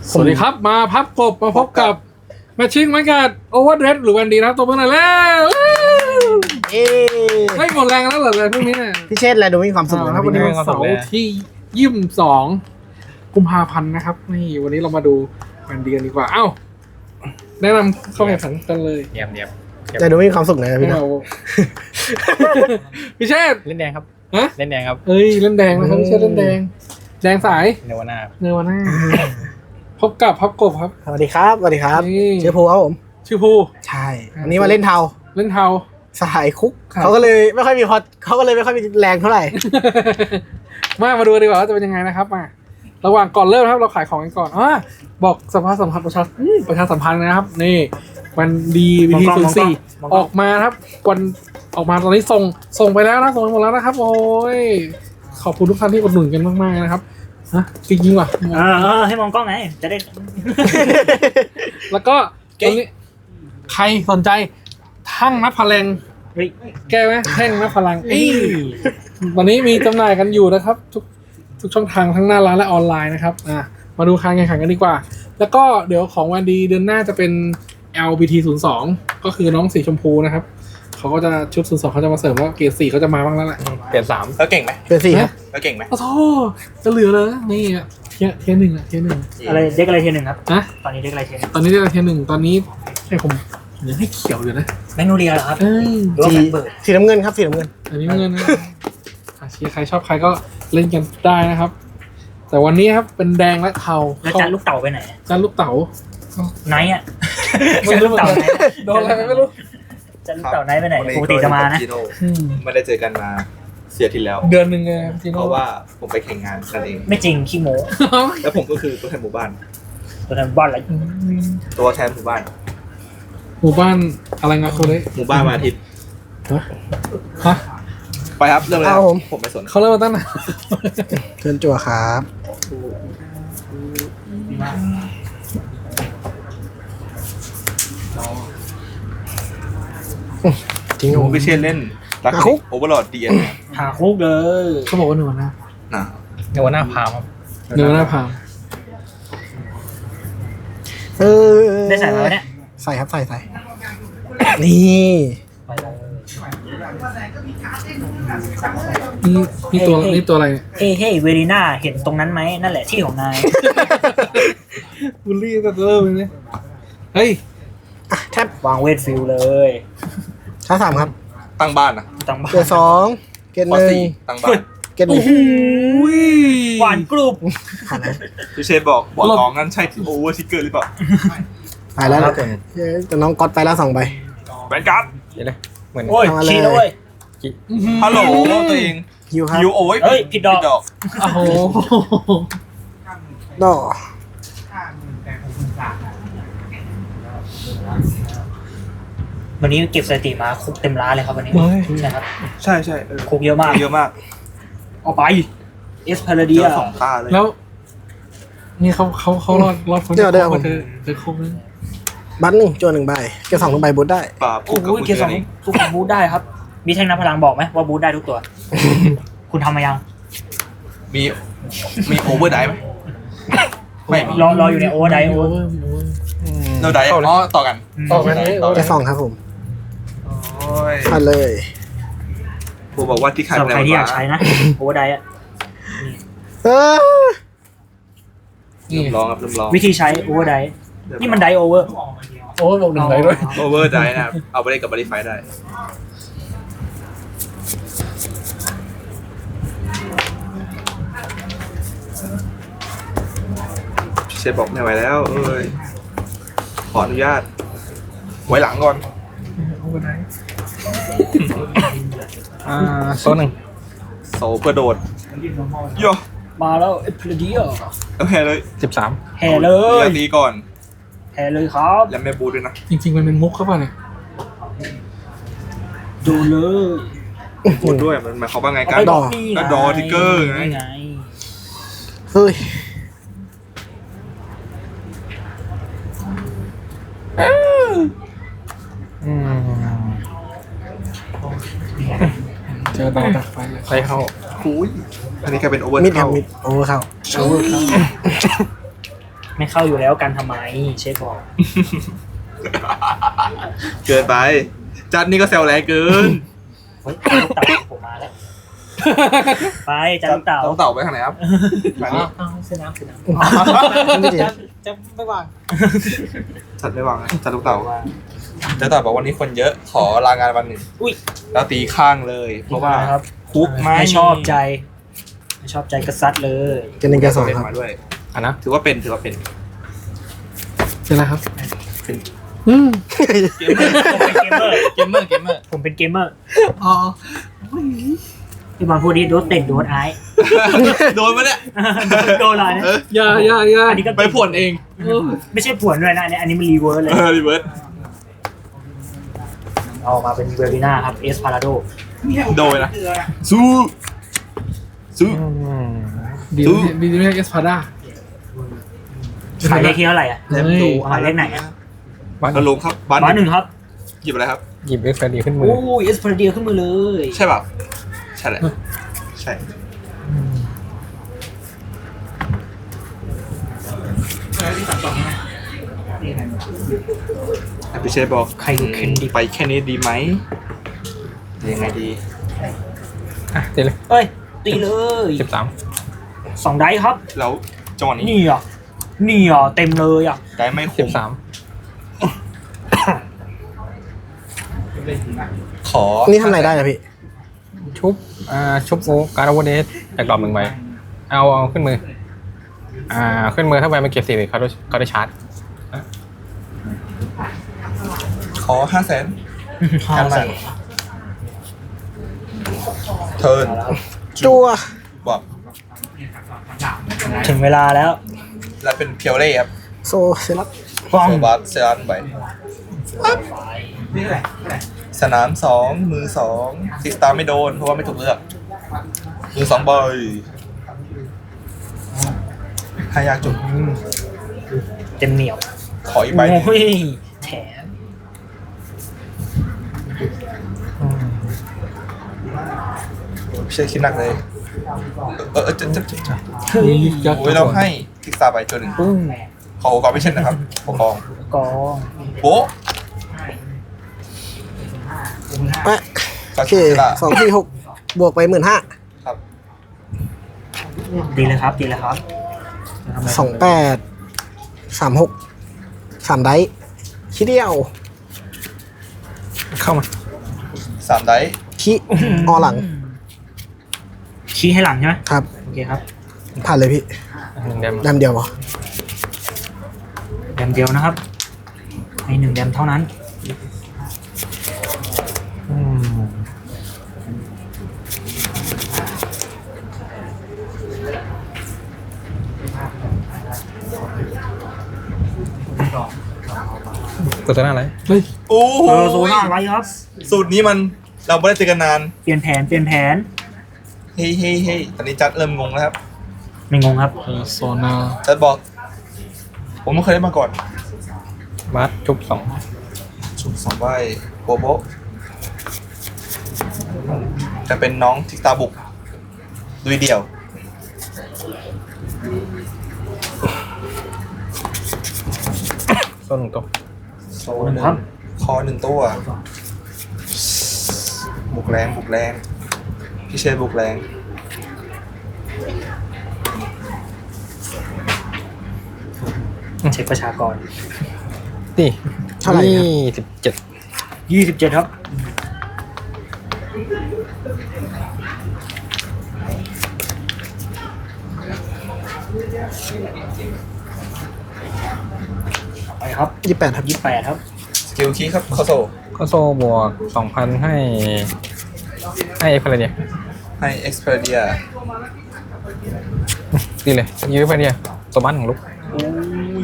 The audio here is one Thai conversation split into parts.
สวัสดีครับมาพับกบมาพบกับแมชชิ่งมันกัดโอเวอร์เดรสหรือวันดีนะครับตัวเพื่อนหน่อยแล้ว ไม่หมดแรงแล้วเหรอเลยพวกนี้เนี่ยพี่เชษฐ์อะไรดูมีความสุขครับวันนี้วันเสาร์ที่22 กุมภาพันธ์นะครับนี่วันนี้เรามาดูวันดีกันดีกว่าเอ้าแนะนำเข้าแข่งขันกันเลยเนียมแต่ดูมีความสุขนะพี่นะเอาพี่เชษเล่นแดงครับฮะเล่นแดงครับเอ้ยเล่นแดงนะครับพี่เชษเล่นแดงแดงสายเนวาน่าเนวาน่าพบกับพับกบครับสวัสดีครับสวัสดีครับนี่ชื่อภูครับผมชื่อภูใช่วันนี้มาเล่นเทาเล่นเทาสหายคุกครับเขาก็เลยไม่ค่อยมีพอเขาก็เลยไม่ค่อยมีแรงเท่าไหร่มาดูดีกว่าว่าจะเป็นยังไงนะครับมาระหว่างก่อนเริ่มนะครับเราขายของกันก่อนบอกสภาสัมพันธ์ประชาสัมพันธ์นะครับนี่วันดีวิธี04ออกมาครับวันออกมาตอนนี้ส่งไปแล้วนะส่งไปหมดแล้วนะครับ โอ้ยขอบคุณทุกท่านที่อุดหนุนกันมากๆนะครับฮะจริงๆว่ะให้มองกล้องไง จะได้แล้วก็ตรงนี้ใครสนใจทั้งนับพลังเฮ้ยแก้ไหมแท่งนับพลังวันนี้มีจำหน่ายกันอยู่นะครับ ทุกช่องทางทั้งหน้าร้านและออนไลน์นะครับมาดูการแข่งขันกันดีกว่า แล้วก็เดี๋ยวของวันดีเดือนหน้าจะเป็น LBT 02ก็คือน้องสีชมพูนะครับเขาก็จะชุด02เขาจะมาเสริมว่าเกรด4เขาจะมาบ้างแล้วแหละเปลี่ยน3 แล้วเก่งไหมเป็นสี่ครับแล้วเก่งไหมโอ้โหจะเหลือเลยนี่อ่ะเทียร์หนึ่งอ่ะเทียร์หนึ่งอะไรเด็กอะไรเทียนหนึ่งครับนะตอนนี้เด็กอะไรเทียนหนึ่งตอนนี้ได้เทียร์หนึ่งตอนนี้ให้ผมยังให้เขียวอยู่นะแมกโนเลียเหรอครับเอ้ยหรือว่าแฟนเบิร์ดสีน้ำเงินครับสีน้ำเงินอันนี้เงินนะเชียร์ใครชอบใครก็เล่นกันได้นะครับ แต่วันนี้ครับเป็นแดงและเทาแล้วจานลูกเต่าไปไหนจานลูกเต๋าไนท์อ่ะจานลูกเต่าไหนโดนอะไรไม่รู้จานลูกเต่าไนท์ไปไหนปกติจะมานะไม่ได้เจอกันมาเสียที่แล้วเดือนหนึ่งไงทีเพโน่ราะว่าผมไปแข่งงานนั่นเองไม่จริงขี้โม้แล้วผมก็คือตัวแทนหมู่บ้านตัวนั้นบ้านอะไรตัวแทนหมู่บ้านหมู่บ้านอะไรงะเขาเลยหมู่บ้านวันอาทิตย์ฮะไปครับเริ่มเลยผมไม่สนเขาเริ่มมาตั้งนานเชิญจั่วครับจริงผมก็เช่นเล่นรักโอเวอร์ลอดดีเอ็นหาคุกเลยเขาบอกว่าหนูนะนะเนวาน่าพามครับเนื้อหน้าพามได้ใส่มาเนี่ยใส่ครับใส่นี่ไปเลยนี่ตัวอะไรเนี่ยเฮ้เวรีน่าเห็นตรงนั้นไหมนั่นแหละที่ของนายบูลลี่กันเริ่มเลยเนี่ยเฮ้ยแทบวางเวทฟิลเลยช้าสามครับตั้งบ้านนะตั้งบ้าเกียนร์สองเกียร์ปหนึ่งสี่ตั้งบ้านเกียร์หนึ่งหวานกรุบผ่านแล้วพี่เชนบอกน้องนั่นใช่โอเวอร์ทิกเกอร์หรือเปล่าไปแล้วแต่น้องก๊อตไปแล้ว2 ใบแบนการ์ดเดี๋ยวนะเหมือนโอ้ยทำมาเลยชี้แล้วเว้ยฮัลโหลตัวเองฮิวครับฮิวโอ้ยเฮ้ยผิดดอกโอ้โหดอวันนี้เก็บสถิติมาคุกเต็มร้านเลยครับวันนี้ใช่ครับใช่เออคุกเยอะมากเยอะมากเอาไปเอสพาราเจเดียอ2 ตาเลยแล้วนี่เขารอดพ้นจากคุกเธอคุกนั้นบัตร1จั่ว1 ใบเกียร์2 ใบบูทได้ป่าโอ้โหเกียร์สองทุกคนบูทได้ครับ มีแท่งน้ำพลังบอกไหมว่าบูทได้ทุกตัว คุณทำมายังมีโอเวอร์ไดไหมไม่มีรออยู่ในโอเวอร์ไดโอเวอร์โนไดอ๋อต่อกันต่อไปนี้เกียร์2ครับผมโอ้ยมาเลยผมบอกว่าที่ขายสำหรับใครที่อยากใช้นะโอเวอร์ไดอะเออนี่เริ่มร้องครับเริ่มร้องวิธีใช้โอเวอร์ไดนี่มันไดโอเวอร์โอ้ยบอกหนึ่งไหนด้วยโอเวอร์ไดนะครับเอาไปเล่นกับบริไฟได้เชฟบอกไม่ไหวแล้วเอ้ยขออนุญาตไว้หลังก่อนโซนหนึ่งโซเพื่อโดดโย่มาแล้วเอสพาราเดียแล้วแพ้เลย 13 แห่เลยตีก่อนแห่เลยครับแล้วแม่บูด้วยนะจริงๆมันเป็นมุกเข้าป่ะเนี่ยดูเลยบูด้วยมันหมายความว่าไงเอากันไปก็ดอทิกเกอร์ไงนี่ไงเฮ้ยเจอดาวดักไฟเลยไปเข้าคุยอันนี้กลายเป็นโอเวอร์มิดครับเข้ามิดโอเวอร์เข้าโชว์ครับไม่เข้าอยู่แล้วกันทำไมเชฟบอกเกินไป จัดนี่ก็แซวแรงเกินเฮ้ยลูกเต่าผมมาแล้ว ไปจัดลูกเต่าต้องเต่าไปทางไหนครับทางนี้อ้าวซื้อน้ำซื้อน้ำไม่ดีจะไม่วางจัดไม่วางนะจัดลูกเต่าจัดเต่าบอกวันนี้คนเยอะขอลางานวันหนึ่งอุ้ยแล้วตีข้างเลย เพราะว่าครับคุกไม่ไม่ชอบใจไม่ชอบใจก็ซัดเลยเกมหนึ่งเกมสองเล่นครับมาด้วยอ่ะนะถือว่าเป็นถือว่าเป็นเจอแล้วครับเป็นอืมเกมเมอร์ผมเป็นเกมเมอร์เกมเมอร์เกมเมอร์ผมเป็นเกมเมอร์อ๋อพี่บอลพูดดิโดนเตะโดนไอ้โดนปะเนี่ยโดนอะไรเนี่ยอย่าอันนี้ก็ไปผ่วนเองเออไม่ใช่ผวนด้วยนะอันนี้มันรีเวิร์สเลยรีเวิร์สเอามาเป็นเวอร์บิน่าครับเอสพาราโดโดยนะสู้สู้ดีดีไม่ใช่เอสพาด้าหมายเลขที่เท่าไหร่อ่ะเล่มดูหมายเลขไหนอ่ะกระลงครับบ้านบ้านหนึ่งครับหยิบอะไรครับหยิบเอ็กซ์ดีขึ้นมือโอ้ยเอสพาราเดียขึ้นมือเลยใช่ป่ะใช่แหละใช่พี่เชฟบอกใครดูเคนดิไปแค่นี้ดีไหมยังไงดีอ่ะตีเลยเอ้ยตีเลย 13 2 ไดส์ครับแล้วจังหวะนี้นี่อ่ะนี่อ่ะเต็มเลยอ่ะได้ไม่คุ้ม 13 ขอนี่ทำอะไรได้อะพี่ชุบโอการ์ดโอเวอร์เดสจากดรอป1ใบเอาขึ้นมือขึ้นมือถ้าใบมันเก็บ4เขาได้ชาร์จขอ500,000 500,000 เทิร์นจัวบอกถึงเวลาแล้วแล้วเป็นเพียวเล่ครับโซเซลับป้องโซบัสเซรันไปสนาม2มือ2ซิกสตาร์ไม่โดนเพราะว่าไม่ถูกเลือกมือ2ใบให้ยากจุดเต็มเหนียวขออีกใบหนึ่งโอ้ยแถมไม่ใช่คิดหนักเลยจะเฮ้ยโอ้ยเราให้ซิกสตาร์ไปตัวหนึ่งปุ้งขอโอกาสไม่เช่นนะครับขอกองกองโบ๊ะแปะก็โอเคคือละ 246บวกไป15,000 ครับดีเลยครับดีเลยครับ 28 36 3 ไดส์คิดเดียวเข้ามา 3 ไดส์คิออหลังชี้ให้หลังใช่ไหมครับโอเคครับผ่านเลยพี่ 1 เดมดำเดียวเหรอแดมเดียวนะครับให้1 แดมเท่านั้นตัวหน้าอะไรเฮ้ยโอ้โซน่าไว้ครับสูตรนี้มันเราไม่ได้เจอกันนานเปลี่ยนแผนเฮ้ยตอนนี้จัดเริ่มงงแล้วครับไม่งงครับโซนาจัดบอก ผมไม่เคยได้มาก่อนบัสชุบชุบ2ใบโบโบะจะเป็นน้องทิกตาบุกดุยเดี่ยว 2ต้น1ตัวโซนหนึ่งคอ1ตัว บุกแรงพี่เชษบุกแรงเช็คประชากรนี่เท่าไหร่ครับ 27 27ครับไปครับ 28 ครับ 28ครับสกิลคีย์ครับคอโซก็โซบวก 2,000 ให้เอ็กซ์อะไรเนี่ยให้เอ็กซ์เพรเดียดีเลยยื้อไปเนี่ยตัวบ้านของลูกอุ้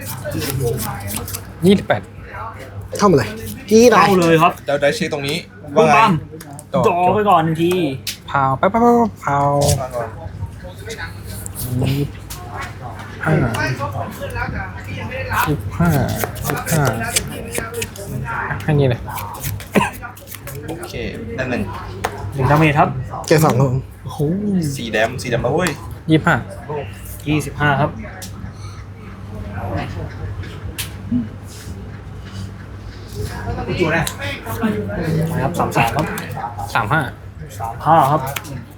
ย 28 เข้ามาเลยกี่ได้เข้าเลยครับเราได้เช็คตรงนี้ปุ้ว่าง ไงปั้มจอไปก่อน1 ทีพาวไปพาวว่าก่อน 25ให้นี่เลยโอเคนั่นหนึ่ง 1 ดาเมจครับเกม2ครับผมโอ้โหสีแดมแล้วเว้ย 25 25ครับครับ33ครับ 35 35ครับ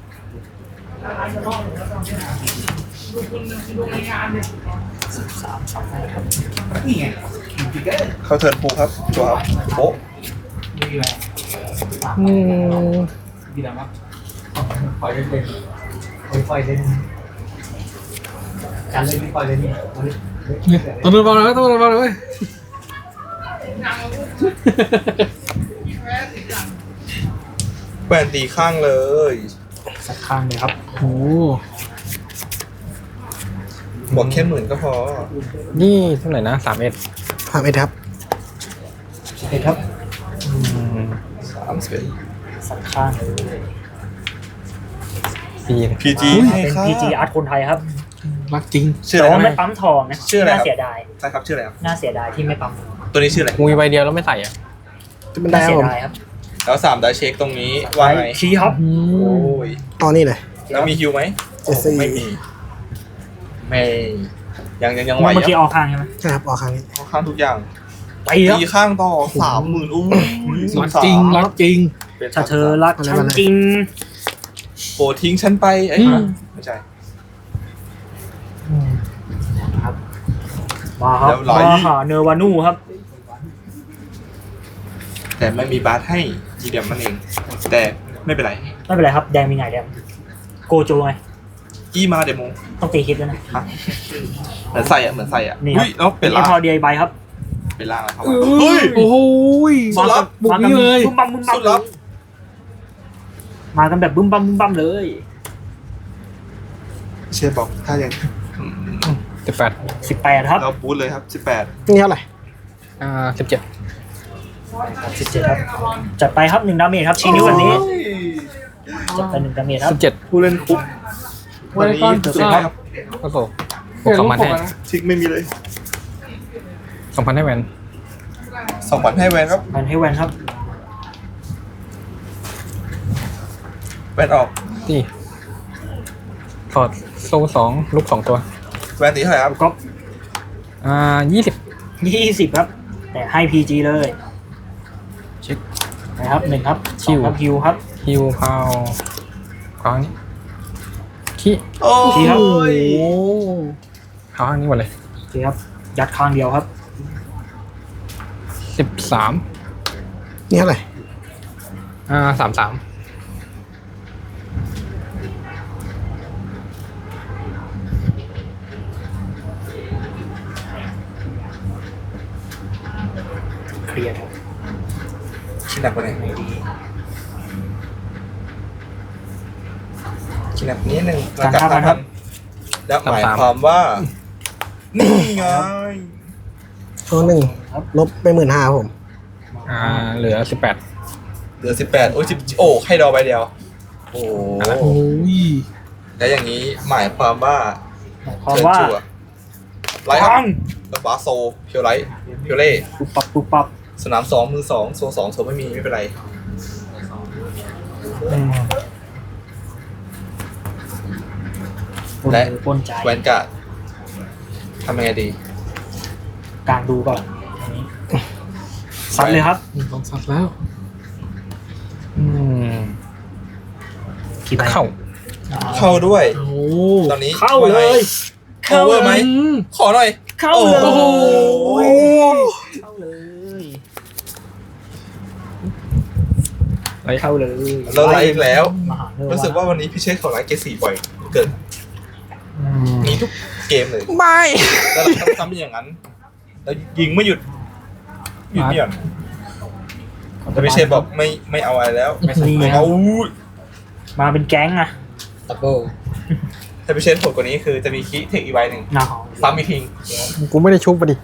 33ครับเข้าเทิร์นพูครับจัวครับโป๊ะตัวนึงบอลเลยตัวนึงบอลเลยแหวนตีข้างเลยสักข้างเลยครับโอ้บอกแค่10,000ก็พอนี่เท่าไหร่นะ3เอ็ดผ่านไปครับเห็นครับ 31 สักข้างเลย 4 PG ให้เป็นค่า PG อาร์ตคนไทยครับรักจริงชื่อแต่อะไรว่าคไม่รับปั๊มทองนะชื่ออะไรครับน่าเสียดายใช่ครับชื่ออะไรครับน่าเสียดายที่ไม่ปั๊มตัวนี้ชื่ออะไรกูมีใบเดียวแล้วไม่ใส่อ่ะมันได้น่าคเสีรับยผมดายครับแล้ว3ได้เช็คตรงนี้ว่าไงชี้ครับอืโอ้มยอ๋อนี่เลยแล้วมีฮิวไหมเจสซี่ไม่มีไม่ยังไหวเมื่อกี้ยังออกข้างใช่ไหมใช่ครับออกครั้งนี้เอาข้างทุกอย่างไปครับตีข้างต่อ30,000อู้ยรักจริงรักจริงเป็นถ้าเธอรักฉันจริงโปรดทิ้งฉันไปเอ้ยอืมไม่ใช่ครับมาครับเรียบร้อยมาหาเนวานูครับแต่ไม่มีบาสให้ยีเดียมมันเอง แต่ไม่เป็นไรไม่เป็นไรครับแดงมีไงแดงโกโจไงอี้มาเดโมต้องตีคิดด้วยนะฮะเหมือนใส่อะเหมือนใส่อะนี่อุ้ยแล้วเป็นเอล่างพอดีใบครับเป็นล่างแล้วครับเฮ้ยโอ้โหสุดลับบุกนี่เลยบึ้มบั้มบึ้มบั้สุมดลับมากันแบบบึ้มบั้มบึ้มบั้มเลยเชฟบอกถ้าอย่าง 18 18ครับเราบูทเลยครับ18 นี่เท่าไหร่ 17 17ครับจัดไปครับ1ดาเมจครับชี้นิ้ววันนี้จัดไป1ดาเมจครับ 17 ผู้เล่นคุกวันนี้สุดท้ายครับก็โซ่บวก2,000ให้ทิกไม่มีเลย 2,000ให้แวน 2,000ให้แวนครับมันให้แวนครับแวนออกที่ถอดโซ่2ลูก2ตัวแวนตีเท่าไหร่ครับก็ 20 20ครับ แต่ให้ PG เลยเช็คนะครับ1ครับคิว 2ครับฮิวครับฮิวพาวครั้งนี้ขี้โอ้ทีครับยโอ้ครั้งนี้หมดเลยโอเคครับยัดข้างเดียวครับ 13 นี่เท่าไหร่ 33 เคลียร์ครับชิ้นหนักกว่าไหนชิ้นหนักนิดนึงแล้วกัด5,000แล้วหมายความว่า นี่ไงช่วงหนึ่งลบไป15,000ครับผมเหลือ 18 เหลือ18โอ้ย10โอ้ให้ดอใบเดียว โอ้โอ้ยแล้วอย่างนี้หมายความว่าหมายความว่าเชิญจั่ไลท์คปัรับงแล้วบาสโซเพียวไลท์เพียวเล่ปุ๊บปับปุ๊บปับสนาม2มือ2โซ2โซไม่มีไม่เป็นไร และปนใจแวนการ์ดทำยังไงดีกลางดูก่อนอันนี้ซัดเลยครับลองสัตว์แล้วกี่ใบเข้าเข้าด้วยโอ้ตอนนี้เข้าเลยเข้าเวอร์ไหม ขอหน่อยเข้าเลยโอ้โหเข้าเลยไลท์เข้าเลยเราไลฟ์อีกแล้วมหาเนวรู้สึกว่าวันนี้พี่เชษเขาไลฟ์เกรด4บ่อยเกินมีทุกเกมเลยไม่แล้วเราทำอย่างนั้น แล้วยิงไม่หยุดไม่หย่อนแต่พี่เชษบอกไม่เอาอะไรแล้ว ไม่เอาอู้ยมาเป็นแก๊งอะดับเบิลถ้าพี่เชษโหดกว่านี้คือจะมีคีย์เทคอีกใบหนึ่งหนาซ้ำอีกทีกูไม่ได้ชุบไปดิ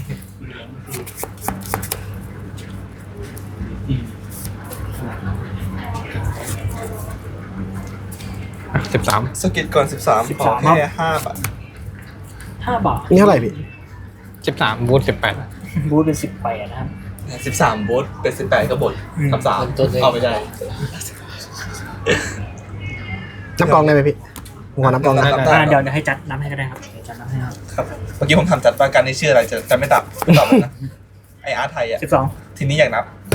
13 สกิลก่อน13ขอแค่5 บาท 5 บาทนี่เท่าไหร่พี่ 13บูท18 บูธเป็น18นะครับ 13บูทเป็น18ก็บทกับ3เอาไม่ได้นับกองได้ไหมพี่ผมขอนับกองนะนับได้เดี๋ยวให้จัดน้ำให้ก็ได้ครับเดี๋ยวจัดน้ำให้ครับครับเมื่อกี้ผมถามจัดว่าการนี้ชื่ออะไรจะไม่ตอบนะไออาร์ตไทยอ่ะ 12 ทีนี้อยากนับ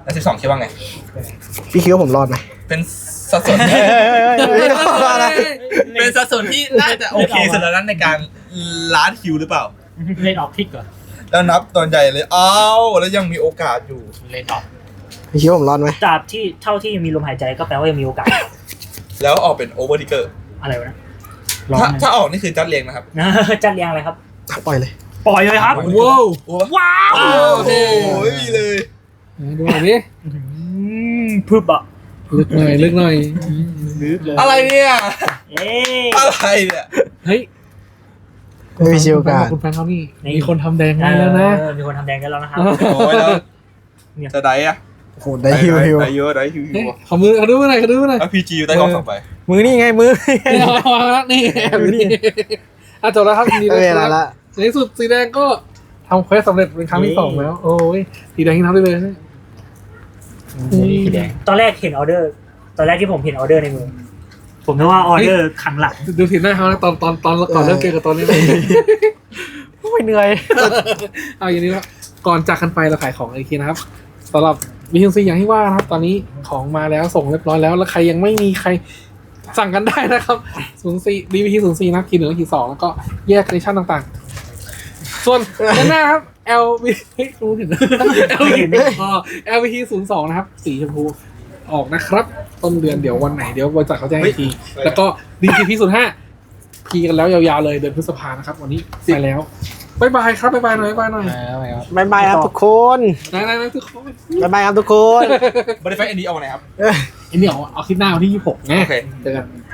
แล้ว12คิดว่าไงพี่คิดว่าผมรอดไหมเป็นสัดส่วนที่ไม่รอดนะเป็นสัดส่วนที่น่าจะโอเคสุดแล้วนั้นในการล้านคิวหรือเปล่าเล่นออกทิกก่อนแล้วนับตอนใหญ่เลยอ้าวแล้วยังมีโอกาสอยู่เล่นออกพี่คิดว่าผมรอดไหมตราบที่เท่าที่ยังมีลมหายใจก็แปลว่ายังมีโอกาสแล้วออกเป็นโอเวอร์ดิเกอร์อะไรวะนะร้อนถ้าออกนี่คือจัดเรียงนะครับจัดเรียงอะไรครับปล่อยเลยปล่อยเลยครับว้าวว้าวโอ้โหไม่มีเลยดูหน่อยดิพึบอ่ะลึกหน่อยลึกหน่อยลึกเลยอะไรเนี่ยเอ๊ะอะไรเนี่ยเฮ้ยไม่มีชิวการคุณแฟนเขานี่นี่มีคนทำแดงให้แล้วนะมีคนทำแดงกันแล้วนะครับโอ้ยแล้วจะได้อะโอ้โหได้ฮิวได้เยอะได้ฮิวเฮ้ยขอมือเขาดูหน่อยเขาดูหน่อยแล้วพีจีอยู่ใต้กล้องสองใบมือนี่ไงมือนี่เอาวางแล้วนี่แอบอยู่นี่อ่ะจบแล้วครับดีไม่เลเวย ลาละในที่สุดสีแดงก็ทำเควสสำเร็จเป็นครั้งที่สองแล้ว โอ้ยสีแดงที่ทำได้เลยนะสีแดงตอนแรกเห็นออเดอร์ ตอนแรกที่ผมเห็นออเดอร์ในมือ ผมนึกว่าออเดอร์ขังหลังดูสีหน้าเขานะตอนก่อนเริ่มเกมกับตอนนี้เลยไม่เหนื่อยเอาอย่างนี้ครับก่อนจากกันไปเราขายของอีกทีนะครับสำหรับวิธีซีอย่างที่ว่านะครับ ตอนนี้ของมาแล้วส่งเรียบร้อยแล้วแล้วใครยังไม่มีใครสั่งกันได้นะครับ04 DVT 04นะคีย์1และคีย์2แล้วก็แยกในชั้นต่างๆ ส่วนด้านหน้าครับ LV เฮ้ยรู้เห็น LVT 02นะครับสีชมพูออกนะครับต้นเดือนเดี๋ยววันไหนเดี๋ยวบริษัทเขาแจ้งอีกทีแล้วก็ DTP 05พีกันแล้วยาวๆเลยเดือนพฤษภานะครับวันนี้ไปแล้วบ๊ายบายครับบ๊ายบายหน่อยบ๊ายบายหน่อยบายบายครับทุกคนนายทุกคนบายบายครับทุกคนบริไฟอันนี้เอาไหนครับไอ้นี่เอาคลิปหน้าวันที่26ไงโอเคเจอกัน